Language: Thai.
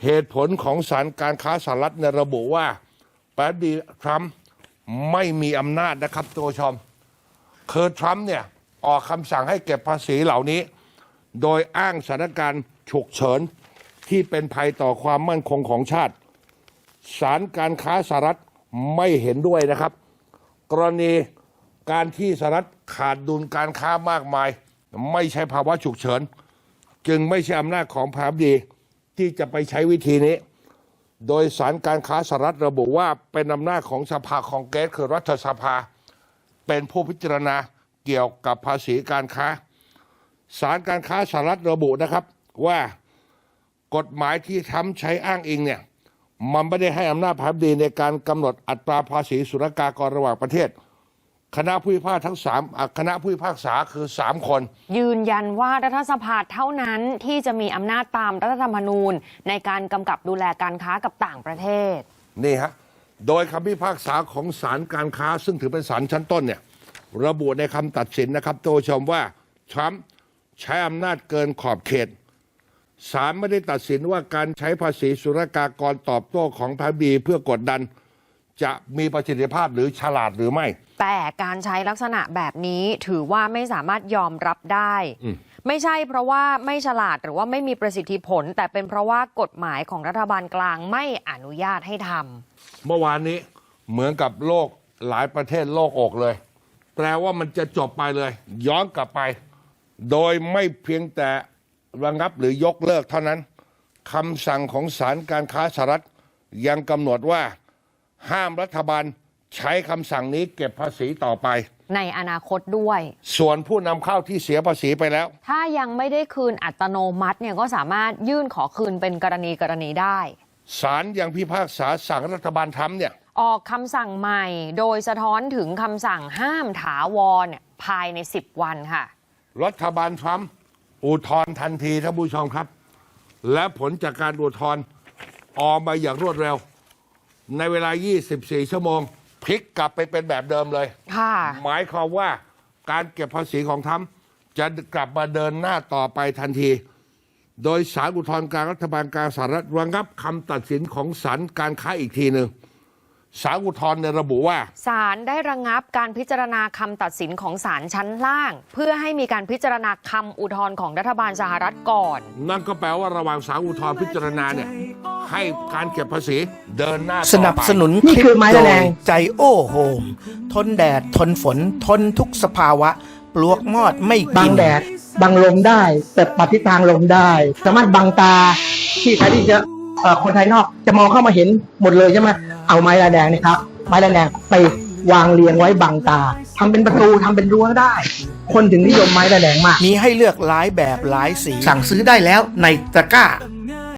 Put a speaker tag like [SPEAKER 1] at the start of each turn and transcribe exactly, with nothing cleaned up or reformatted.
[SPEAKER 1] เหตุผลของศาลการค้าสหรัฐในระบุว่าประธานาธิบดีทรัมป์ไม่มีอำนาจนะครับตัวชมคือทรัมป์เนี่ยออกคำสั่งให้เก็บภาษีเหล่านี้โดยอ้างสถานการณ์ฉุกเฉินที่เป็นภัยต่อความมั่นคงของชาติศาลการค้าสหรัฐไม่เห็นด้วยนะครับกรณีการที่สหรัฐขาดดุลการค้ามากมายไม่ใช่ภาวะฉุกเฉินจึงไม่ใช่อำนาจของประธานาธิบดีที่จะไปใช้วิธีนี้โดยศาลการค้าสหรัฐระบุว่าเป็นอำนาจของสภาคองเกรสคือรัฐสภาเป็นผู้พิจารณาเกี่ยวกับภาษีการค้าศาลการค้าสหรัฐระบุนะครับว่ากฎหมายที่ทำใช้อ้างอิงเนี่ยมันไม่ได้ให้อำนาจประธานาธิบดีในการกำหนดอัตราภาษีศุลกากรระหว่างประเทศคณะผู้พิพากษาทั้งสามคณะผู้พิพากษาคือสามคน
[SPEAKER 2] ยืนยันว่ารัฐสภาเท่านั้นที่จะมีอำนาจตามรัฐธรรมนูญในการกำกับดูแลการค้ากับต่างประเทศ
[SPEAKER 1] นี่ฮะโดยคำพิพากษาของศาลการค้าซึ่งถือเป็นศาลชั้นต้นเนี่ยระบุในคำตัดสินนะครับโตชมว่าทรัมป์ใช้อำนาจเกินขอบเขตศาลไม่ได้ตัดสินว่าการใช้ภาษีศุลกากรตอบโต้ของประธานาธิบดีเพื่อกดดันจะมีประสิทธิภาพหรือฉลาดหรือไม่
[SPEAKER 2] แต่การใช้ลักษณะแบบนี้ถือว่าไม่สามารถยอมรับได้ไม่ใช่เพราะว่าไม่ฉลาดหรือว่าไม่มีประสิทธิผลแต่เป็นเพราะว่ากฎหมายของรัฐบาลกลางไม่อนุญาตให้ทำ
[SPEAKER 1] เมื่อวานนี้เหมือนกับโลกหลายประเทศโลกอกเลยแปลว่ามันจะจบไปเลยย้อนกลับไปโดยไม่เพียงแต่ระงับหรือยกเลิกเท่านั้นคำสั่งของศาลการค้าสหรัฐยังกำหนดว่าห้ามรัฐบาลใช้คำสั่งนี้เก็บภาษีต่อไป
[SPEAKER 2] ในอนาคตด้วย
[SPEAKER 1] ส่วนผู้นำเข้าที่เสียภาษีไปแล้ว
[SPEAKER 2] ถ้ายังไม่ได้คืนอัตโนมัติเนี่ยก็สามารถยื่นขอคืนเป็นกรณีกรณีได้
[SPEAKER 1] ศาลยังพิพากษาสั่งรัฐบาลทำเนี่ย
[SPEAKER 2] ออกคำสั่งใหม่โดยสะท้อนถึงคำสั่งห้ามถาวรภายในสิบวันค่ะ
[SPEAKER 1] รัฐบาลทรัมป์อุทธรณ์ทันทีท่านผู้ชมครับและผลจากการอุทธรณ์ออกมาอย่างรวดเร็วในเวลายี่สิบสี่ชั่วโมงพลิกกลับไปเป็นแบบเดิมเลยหมายความว่าการเก็บภาษีของทรัมป์จะกลับมาเดินหน้าต่อไปทันทีโดยศาลอุทธรณ์กลางรัฐบาลกลางสหรัฐระงับคำตัดสินของศาลการค้าอีกทีหนึ่งศาลอุทธรณ์ระบุว่า
[SPEAKER 2] ศาลได้ระงับการพิจารณาคำตัดสินของศาลชั้นล่างเพื่อให้มีการพิจารณาคำอุทธรณ์ของรัฐบาลสหรัฐก่อน
[SPEAKER 1] นั่นก็แปลว่าระหว่างศาลอุทธรณ์พิจารณาเนี่ยให้การเก็บภาษีเดินหน้า
[SPEAKER 3] สนับสนุนคลิปโดยใจโอ้โฮมทนแดดทนฝนทนทุกสภาวะปลวกมอดไม่กิน
[SPEAKER 4] บังแดดบังลมได้แต่ปฏิทางลมได้สามารถบังตาที่ใครที่จะคนภายนอกจะมองเข้ามาเห็นหมดเลยใช่ไหมเอาไม้ลายแดงนี่ครับไม้ลายแดงไปวางเรียงไว้บังตาทำเป็นประตูทำเป็นรั้วได้คนถึงนิยมไม้ลายแดงมาก
[SPEAKER 3] มีให้เลือกหลายแบบหลายสีสั่งซื้อได้แล้วในตะกร้า